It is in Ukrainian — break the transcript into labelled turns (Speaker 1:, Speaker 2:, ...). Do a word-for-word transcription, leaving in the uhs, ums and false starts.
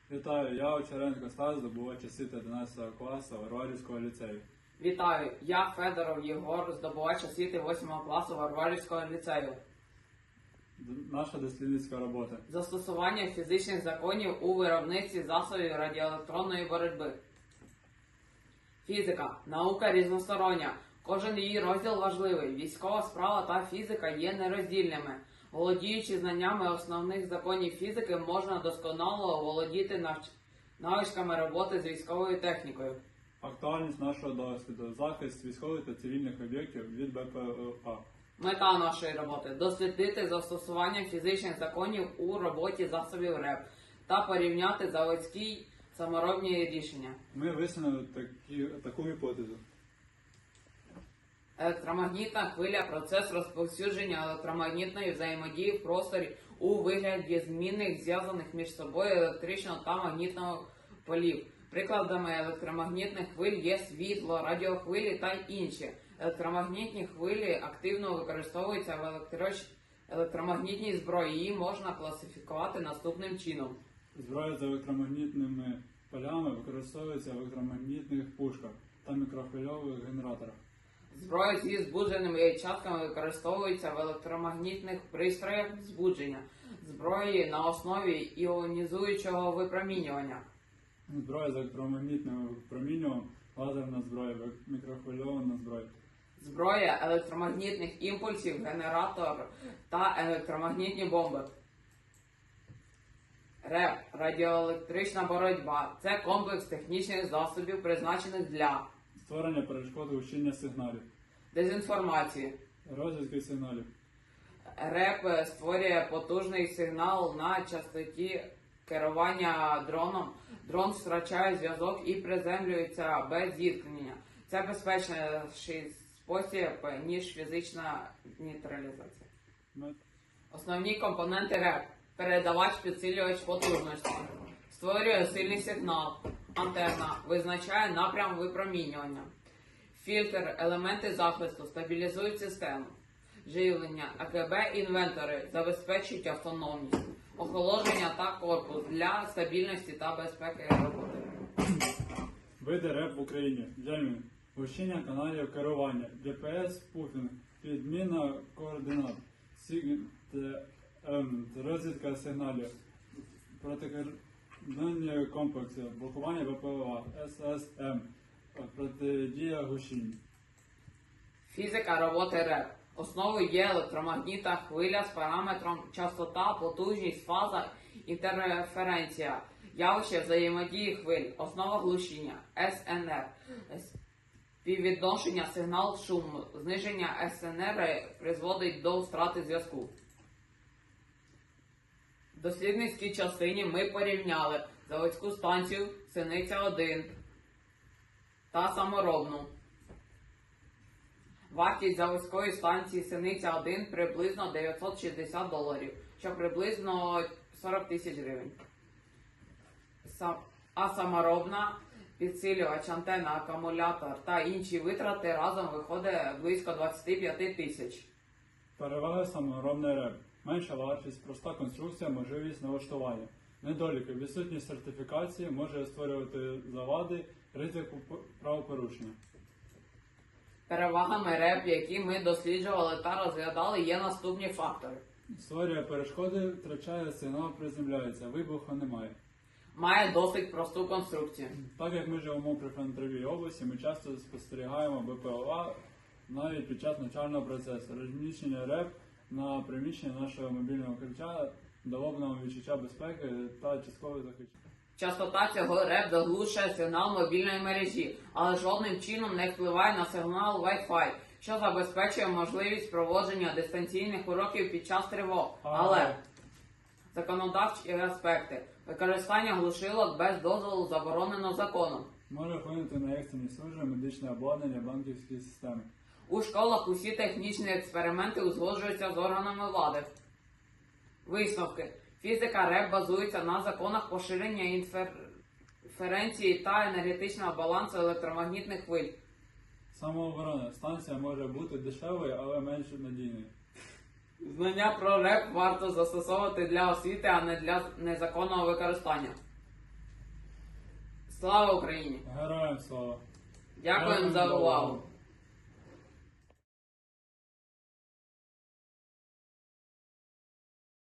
Speaker 1: Вітаю, я Очеренко Стас, здобувач освіти одинадцятого класу Варварівського ліцею.
Speaker 2: Вітаю, я Федоров Єгор, здобувач освіти восьмого класу Варварівського ліцею.
Speaker 1: Д- Наша дослідницька робота.
Speaker 2: Застосування фізичних законів у виробництві засобів радіоелектронної боротьби. Фізика. Наука різностороння. Кожен її розділ важливий. Військова справа та фізика є нероздільними. Володіючи знаннями основних законів фізики, можна досконало володіти навч... навичками роботи з військовою технікою.
Speaker 1: Актуальність нашого досвіду. Захист військових та цивільних об'єктів від Б П О А.
Speaker 2: Мета нашої роботи – дослідити застосування фізичних законів у роботі засобів РЕП та порівняти заводські саморобні рішення.
Speaker 1: Ми висунули такі, таку гіпотезу.
Speaker 2: Електромагнітна хвиля – процес розповсюдження електромагнітної взаємодії в просторі у вигляді змінних зв'язаних між собою електричного та магнітного полів. Прикладами електромагнітних хвиль є світло, радіохвилі та інші. Електромагнітні хвилі активно використовуються в електроч... електромагнітній зброї. Її можна класифікувати наступним чином.
Speaker 1: Зброя з електромагнітними полями використовується в електромагнітних пушках та мікрохвильових генераторах.
Speaker 2: Зброя зі збудженими частками використовується в електромагнітних пристроях збудження. Зброї на основі іонізуючого випромінювання.
Speaker 1: Зброя з електромагнітним випромінюванням, лазерна зброя, мікрохвильована зброя.
Speaker 2: Зброя електромагнітних імпульсів, генератор та електромагнітні бомби. РЕП – радіоелектрична боротьба. Це комплекс технічних засобів, призначених для
Speaker 1: Створення перешкод учення сигналів.
Speaker 2: дезінформації.
Speaker 1: Розвідки сигналів.
Speaker 2: РЕП створює потужний сигнал на частоті керування дроном. Дрон втрачає зв'язок і приземлюється без зіткнення. Це безпечніший спосіб, ніж фізична нейтралізація.
Speaker 1: Мет-
Speaker 2: Основні компоненти РЕП. Передавач, підсилювач потужності. Створює сильний сигнал. Антенна. Визначає напрям випромінювання. Фільтр. Елементи захисту. Стабілізують систему. Живлення. А К Б інвентори. Забезпечують автономність. Охолодження та корпус для стабільності та безпеки роботи.
Speaker 1: Види РЕП в Україні. Джемінг. Гущення каналів керування. Г П С пуфінг. Підміна координат. Сігнал. Розвідка сигналів. Протикордонні комплекси. Блокування Б П О А. С С М. Протидія гущінь.
Speaker 2: Фізика роботи РЕП. Основою є електромагнітна хвиля з параметром частота, потужність, фаза, інтерференція, явище взаємодії хвиль, основа глушіння, С Н Р, співвідношення сигнал-шум, зниження С Н Р призводить до втрати зв'язку. В дослідницькій частині ми порівняли заводську станцію Синиця один та саморобну. Вартість заводської станції Синиця один приблизно дев'ятсот шістдесят доларів, що приблизно сорок тисяч гривень. Сам- А саморобна, підсилювач, антенна, акумулятор та інші витрати разом виходить близько двадцять п'ять тисяч.
Speaker 1: Переваги саморобний РЕП. Менша вартість, проста конструкція, можливість налаштування. Недоліки. Відсутність сертифікації може створювати завади, ризику п- правопорушення.
Speaker 2: Перевагами РЕП, які ми досліджували та розглядали, є наступні фактори.
Speaker 1: Створює перешкоди, втрачає сигнал, приземляється, вибуху немає.
Speaker 2: Має досить просту конструкцію.
Speaker 1: Так як ми живемо при фронтовій області, ми часто спостерігаємо Б П О А навіть під час навчального процесу. Розміщення РЕП на приміщенні нашого мобільного ключа дало б нам відчуття безпеки та часткове захищення.
Speaker 2: Частота цього РЕП заглушує сигнал мобільної мережі, але жодним чином не впливає на сигнал Wi-Fi, що забезпечує можливість проводження дистанційних уроків під час тривог. Але законодавчі аспекти. Використання глушилок без дозволу заборонено законом.
Speaker 1: Може вплинути на екстрені служби, медичне обладнання, банківські системи.
Speaker 2: У школах усі технічні експерименти узгоджуються з органами влади. Висновки. Фізика РЕП базується на законах поширення інференції та енергетичного балансу електромагнітних хвиль.
Speaker 1: Самооборона. Станція може бути дешевою, але менш надійною.
Speaker 2: Знання про РЕП варто застосовувати для освіти, а не для незаконного використання. Слава Україні!
Speaker 1: Героям слава!
Speaker 2: Дякуємо за увагу!